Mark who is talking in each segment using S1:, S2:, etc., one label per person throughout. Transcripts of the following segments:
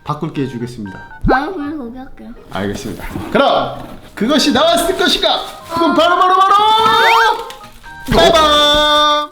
S1: 바꿀게 해주겠습니다.
S2: 나는 그냥 거기 할게요.
S1: 알겠습니다. 그럼 그것이 나왔을 것인가? 그럼 바로 빠밤!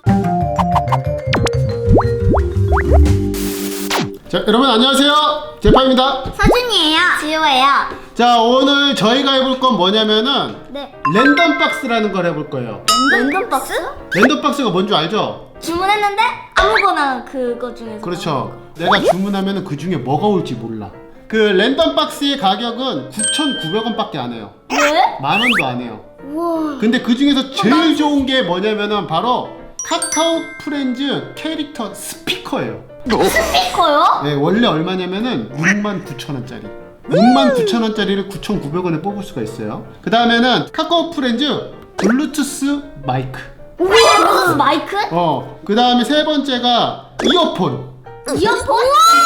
S1: 자, 여러분 안녕하세요. 제파입니다.
S2: 서준이에요. 지호예요.
S1: 자, 오늘 저희가 해볼 건 뭐냐면은
S2: 네.
S1: 랜덤 박스라는 걸 해볼 거예요.
S2: 랜덤 박스?
S1: 랜덤 박스가 뭔 줄 알죠?
S2: 주문했는데 아무거나 그거 중에서.
S1: 그렇죠. 내가 주문하면은 그 중에 뭐가 올지 몰라. 그 랜덤 박스의 가격은 9,900원밖에 안 해요.
S2: 왜?
S1: 만 원도 안 해요.
S2: 우와.
S1: 근데 그 중에서 제일 좋은 게 뭐냐면은 바로 카카오 프렌즈 캐릭터 스피커예요.
S2: 스피커요?
S1: 네, 원래 얼마냐면은 69,000원짜리. 69,000원짜리를 9,900원에 뽑을 수가 있어요. 그 다음에는 카카오 프렌즈 블루투스 마이크.
S2: 우와, 무슨 마이크?
S1: 그 다음에 세 번째가 이어폰.
S2: 이어폰?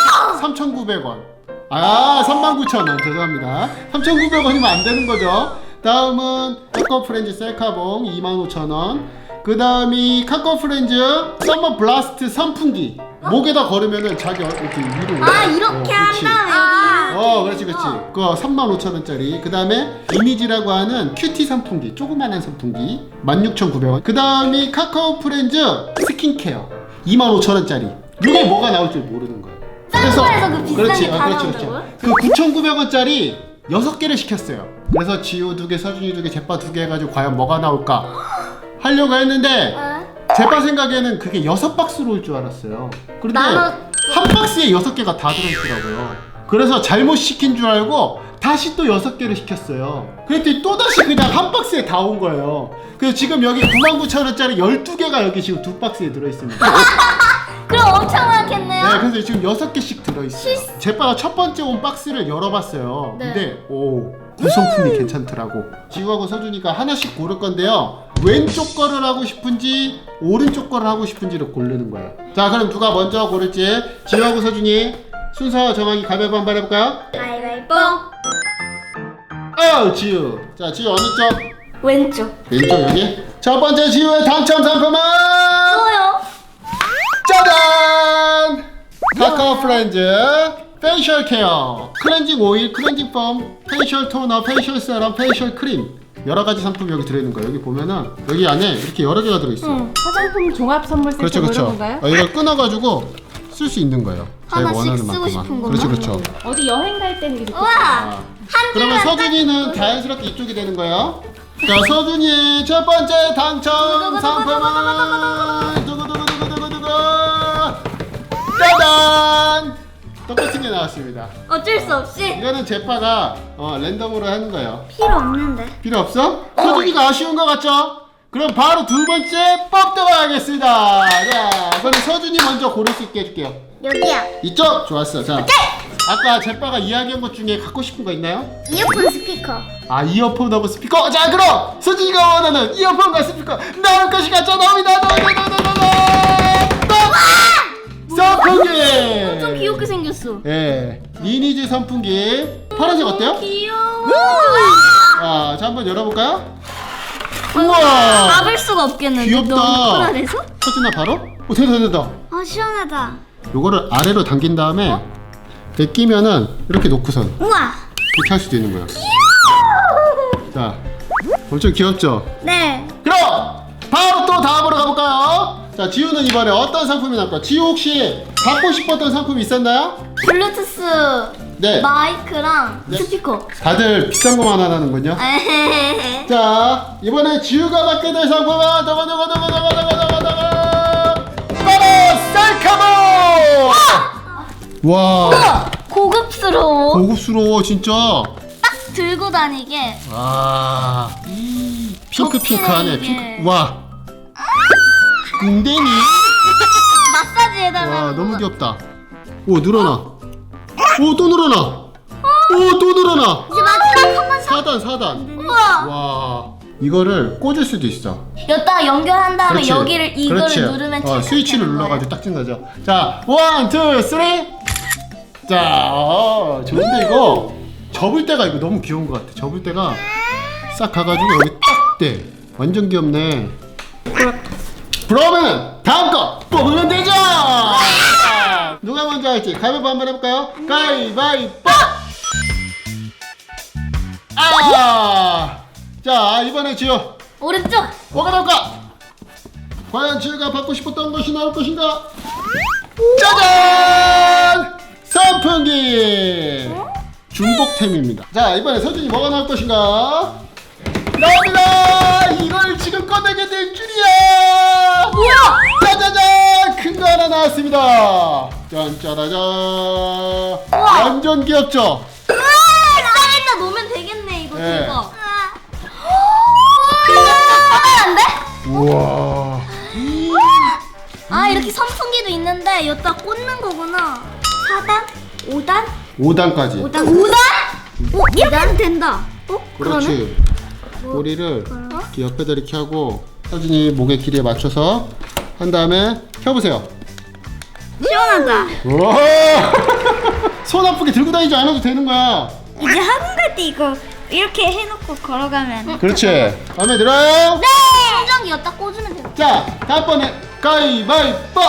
S1: 3,900원. 아, 39,000원. 죄송합니다. 3,900원이면 안 되는 거죠. 다음은 카카오 프렌즈 셀카봉 25,000원. 그 다음이 카카오 프렌즈 서머 블라스트 선풍기. 목에다 걸으면은 자기 이렇게 위로.
S2: 아, 이렇게
S1: 그렇지.
S2: 한 다음에 여기.
S1: 그렇지. 그거 35,000원짜리. 그 다음에 이미지라고 하는 큐티 선풍기. 조그만한 선풍기. 16,900원. 그 다음이 카카오 프렌즈 스킨케어. 25,000원짜리. 이게 뭐가 나올 줄 모르는 거예요.
S2: 딴거에서 그 비싼
S1: 그렇지,
S2: 게 다
S1: 그렇지.
S2: 나온다고요?
S1: 그 9,900원짜리 6개를 시켰어요. 그래서 지호 2개, 서준이 2개, 제빠 2개 해가지고 과연 뭐가 나올까 하려고 했는데 제빠 생각에는 그게 6박스로 올 줄 알았어요. 그런데 한 박스에 6개가 다 들어있더라고요. 그래서 잘못 시킨 줄 알고 다시 또 6개를 시켰어요. 그랬더니 또다시 그냥 한 박스에 다 온 거예요. 그래서 지금 여기 99,000원짜리 12개가 여기 지금 2박스에 들어있습니다.
S2: 그럼 엄청 많겠네요.
S1: 네, 그래서 지금 6개씩 들어있어요. 제빠가 첫 번째 온 박스를 열어봤어요.
S2: 네.
S1: 근데 구성품이 괜찮더라고. 지우하고 서준이가 하나씩 고를 건데요. 왼쪽 거를 하고 싶은지 오른쪽 거를 하고 싶은지를 고르는 거예요. 자, 그럼 누가 먼저 고를지 지우하고 서준이 순서 정하기 가위바위보 한번 해볼까요?
S2: 가위바위보.
S1: 지우. 자, 지우 어느 쪽?
S2: 왼쪽.
S1: 왼쪽 여기. 첫 번째 지우의 당첨 상품은
S2: 뭐요?
S1: 짜잔! 카카오 프렌즈 페이셜 케어 클렌징 오일, 클렌징 폼, 페이셜 토너, 페이셜 세럼, 페이셜 크림 여러 가지 상품이 여기 들어있는 거예요. 여기 보면은 여기 안에 이렇게 여러 개가 들어있어요.
S3: 화장품 종합 선물 세트
S1: 그렇죠,
S3: 뭐
S1: 그렇죠.
S3: 이런 건가요?
S1: 이걸 끊어가지고 쓸 수 있는 거예요. 자기가
S2: 하나씩
S1: 원하는
S2: 쓰고
S1: 만큼만.
S2: 싶은
S1: 그렇죠,
S2: 것만?
S1: 그렇죠.
S3: 어디 여행 갈 때는 이렇게
S2: 우와.
S1: 아.
S2: 한
S1: 그러면
S2: 줄만
S1: 서준이는 자연스럽게 이쪽이 되는 거예요. 자, 서준이 첫 번째 당첨 상품은 두구두구두구두구두구 짜잔! 똑같은 게 나왔습니다.
S2: 어쩔 수 없이
S1: 이거는 제파가 랜덤으로 하는 거예요.
S2: 필요 없는데.
S1: 필요 없어? 서준이가 아쉬운 것 같죠? 그럼 바로 두 번째 뽑도록 하겠습니다. 자, 그럼 서준이 먼저 고를 수 있게 해줄게요.
S2: 여기야.
S1: 이쪽? 좋았어. 자, 아까 제빠가 이야기한 것 중에 갖고 싶은 거 있나요?
S2: 이어폰 스피커.
S1: 아, 이어폰하고 스피커. 자, 그럼 서준이가 원하는 이어폰과 스피커 나올 것이 같죠? 나옵니다. 선풍기.
S2: 좀 귀엽게 생겼어.
S1: 예, 리니지 선풍기. 파란색 어때요?
S2: 귀여워.
S1: 자, 한번 열어볼까요?
S2: 우와.
S1: 우와,
S2: 잡을 수가 없겠는데.
S1: 귀엽다.
S2: 너무 편안해서?
S1: 서준아 바로? 됐다.
S2: 아, 시원하다.
S1: 요거를 아래로 당긴 다음에 이렇게 끼면은 이렇게 놓고선
S2: 우와.
S1: 이렇게 할 수도 있는 거예요. 자, 엄청 귀엽죠?
S2: 네.
S1: 그럼 바로 또 다음으로 가볼까요? 자, 지우는 이번에 어떤 상품이 나올까? 지우 혹시 갖고 싶었던 상품이 있었나요?
S2: 블루투스
S1: 네.
S2: 마이크랑
S1: 네.
S2: 스피커.
S1: 다들 비싼 거만 하나는군요.
S2: 에헤헤헤.
S1: 자, 이번에 지우가 받게 될 상품은 바로 셀카봉! 와,
S2: 우와, 고급스러워.
S1: 고급스러워 진짜.
S2: 딱 들고 다니게.
S1: 와, 핑크하네.
S2: 이게.
S1: 핑크. 와, 궁뎅이.
S2: 마사지 해달라는
S1: 와, 너무
S2: 거다.
S1: 귀엽다. 오, 늘어나. 오, 또 늘어나. 오, 또 늘어나.
S2: 이제 마지막 한번 사.
S1: 4단.
S2: 우와.
S1: 와, 이거를 꽂을 수도 있어.
S2: 여기다 연결한 다음에
S1: 그렇지.
S2: 여기를 이거를
S1: 그렇지.
S2: 누르면 찰칵
S1: 스위치를
S2: 되는 거예요.
S1: 눌러가지고 딱 찐 거죠. 자, 1, 2, 3. 자, 좋은데 이거 접을 때가 이거 너무 귀여운 것 같아. 접을 때가 싹 가가지고 여기 딱 돼. 완전 귀엽네. 그러면 다음 거 뽑으면 되죠. 자, 누가 먼저 누가 할지 가위바위보 한번 해볼까요? 가위바위보! 자, 이번에 지우
S2: 오른쪽.
S1: 뭐가 나올까? 과연 지우가 받고 싶었던 것이 나올 것인가? 짜잔! 선풍기! 중복템입니다. 자, 이번에 서준이 뭐가 나올 것인가? 나옵니다! 이걸 지금 꺼내게 될 줄이야!
S2: 뭐야?
S1: 짜자잔! 큰 거 하나 나왔습니다. 짠짜라잔! 완전 귀엽죠?
S2: 땅에다 놓으면 되겠네 이거
S1: 네.
S2: 대박. 안 돼?
S1: 우와.
S2: 아 이렇게 선풍기도 있는데 여기다 꽂는 거구나. 4단? 5단?
S1: 5단까지.
S2: 5단? 5단? 이렇게 해도 된다.
S1: 그렇지. 꼬리를 이렇게 옆에다 이렇게 하고 서준이 목의 길이에 맞춰서 한 다음에 펴보세요.
S2: 시원하다.
S1: 우와. 손 아프게 들고 다니지 않아도 되는 거야.
S2: 이제 학원 갈 때 이거 이렇게 해놓고 걸어가면.
S1: 그렇지. 마음에 들어요?
S2: 네! 충전기 여기다 꽂으면 돼.
S1: 자, 다음번에 가위바위보!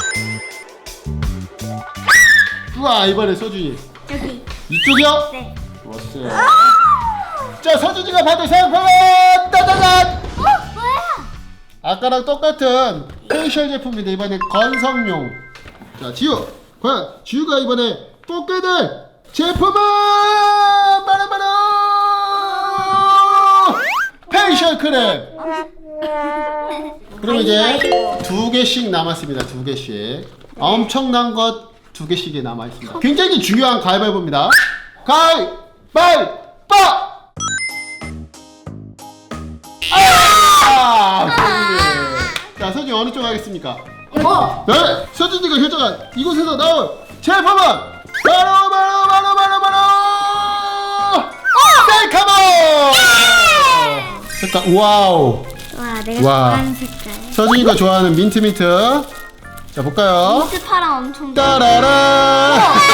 S1: 우와, 이번에 서준이.
S2: 여기.
S1: 이쪽이요?
S2: 네.
S1: 좋았어요. 자, 서준이가 받을 상품은 따다단!
S2: 뭐야?
S1: 아까랑 똑같은 페이셜 제품인데 이번엔 건성용. 자, 지우. 과연 지우가 이번에 뽑게 될 제품은 바로바로 페이셜 크림. 그럼 이제 2개씩 남았습니다. 2개씩. 엄청난 것 2개씩이 남아 있습니다. 굉장히 중요한 가위바위보입니다. 가위바위보! 자, 서준이 어느 쪽 하겠습니까? 네, 서준이가 결정한 이곳에서 나온 제품은 바로 셀카봉! 색깔, 와우.
S2: 와 내가
S1: 와.
S2: 좋아하는 색깔.
S1: 서준이가 좋아하는 민트. 자, 볼까요?
S2: 민트파랑 엄청 좋아.
S1: 따라라.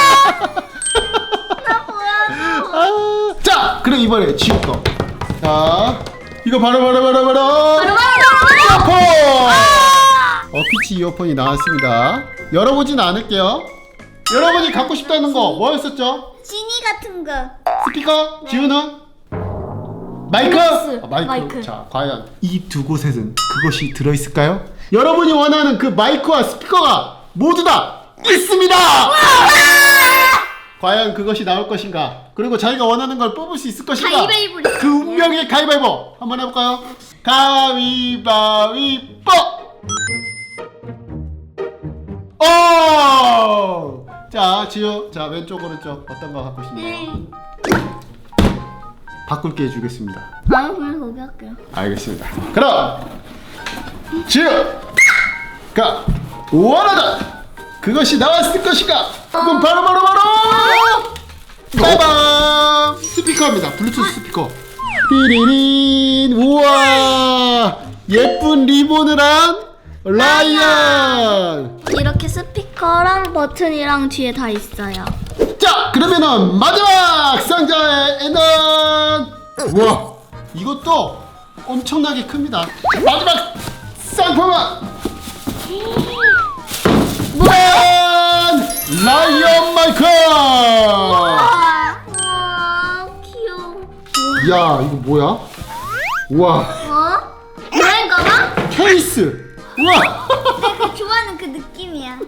S2: 나 보여줘.
S1: 자, 그럼 이번에 지우 거. 자, 이거 바로 이어폰! 어피치 이어폰이 나왔습니다. 열어보진 않을게요. 여러분이 갖고 싶다는 거 뭐였었죠?
S2: 지니 같은 거.
S1: 스피커? 지우는? 마이크?
S2: 블루투스.
S1: 마이크.
S2: 마이크.
S1: 자, 과연 이 두 곳에는 그것이 들어있을까요? 여러분이 원하는 그 마이크와 스피커가 모두 다 있습니다! 과연 그것이 나올 것인가? 그리고 자기가 원하는 걸 뽑을 수 있을 것인가?
S2: 가위바위보.
S1: 그 운명의 가위바위보 한번 해볼까요? 가위바위보! 오! 자, 지우. 자, 왼쪽 오른쪽 어떤 거 갖고 싶나요?
S2: 네.
S1: 바꿀게 해주겠습니다.
S2: 아 그냥 거기 할게요.
S1: 알겠습니다. 그럼 지우가 원하던 그것이 나왔을 것인가? 그건 바로 빠밤! 스피커입니다. 블루투스 스피커. 띠리린. 우와, 예쁜 리본을 한 라이언.
S2: 이렇게 스피커랑 버튼이랑 뒤에 다 있어요.
S1: 자, 그러면은 마지막 상자에는 우와, 이것도 엄청나게 큽니다. 마지막 상품은 라이언 마이크.
S2: 와 귀여워.
S1: 야, 이거 뭐야? 우와,
S2: 뭐인가 봐?
S1: 케이스. 우와.
S2: 내가 좋아하는 그 느낌이야.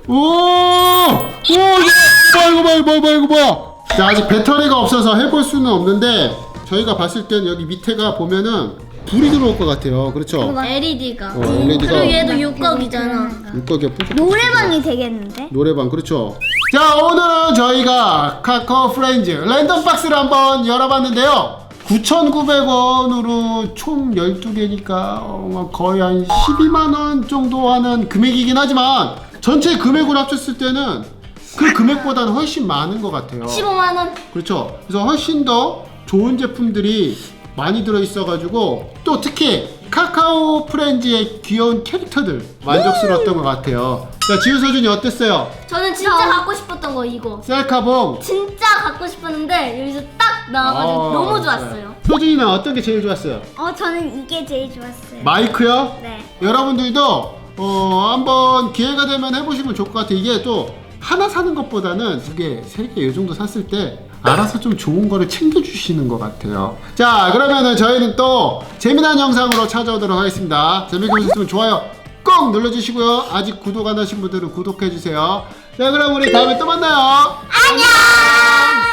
S1: 이거 뭐야? 자, 아직 배터리가 없어서 해볼 수는 없는데 저희가 봤을 땐 여기 밑에가 보면은 불이 들어올 것 같아요. 그렇죠?
S2: LED가.
S1: LED가
S2: 그리고 얘도 육각이잖아.
S1: 물고기가 푹푹.
S2: 노래방이 되겠는데?
S1: 노래방, 그렇죠. 자, 오늘은 저희가 카카오 프렌즈 랜덤 박스를 한번 열어봤는데요. 9,900원으로 총 12개니까 거의 한 12만원 정도 하는 금액이긴 하지만 전체 금액으로 합쳤을 때는 그 금액보다는 훨씬 많은 것 같아요.
S2: 15만원.
S1: 그렇죠. 그래서 훨씬 더 좋은 제품들이 많이 들어있어가지고 또 특히 카카오 프렌즈의 귀여운 캐릭터들 만족스러웠던 것 같아요. 자, 지우, 서준이 어땠어요?
S2: 저는 진짜 갖고 싶었던 거 이거.
S1: 셀카봉.
S2: 진짜 갖고 싶었는데 여기서 딱 나와가지고 너무 좋았어요.
S1: 서준이는 어떤 게 제일 좋았어요?
S2: 저는 이게 제일 좋았어요.
S1: 마이크요?
S2: 네.
S1: 여러분들도 한번 기회가 되면 해보시면 좋을 것 같아요. 이게 또 하나 사는 것보다는 2개, 3개 이 정도 샀을 때 알아서 좀 좋은 거를 챙겨주시는 것 같아요. 자, 그러면은 저희는 또 재미난 영상으로 찾아오도록 하겠습니다. 재밌게 보셨으면 좋아요 꼭 눌러주시고요. 아직 구독 안 하신 분들은 구독해주세요. 자, 그럼 우리 다음에 또 만나요.
S2: 안녕.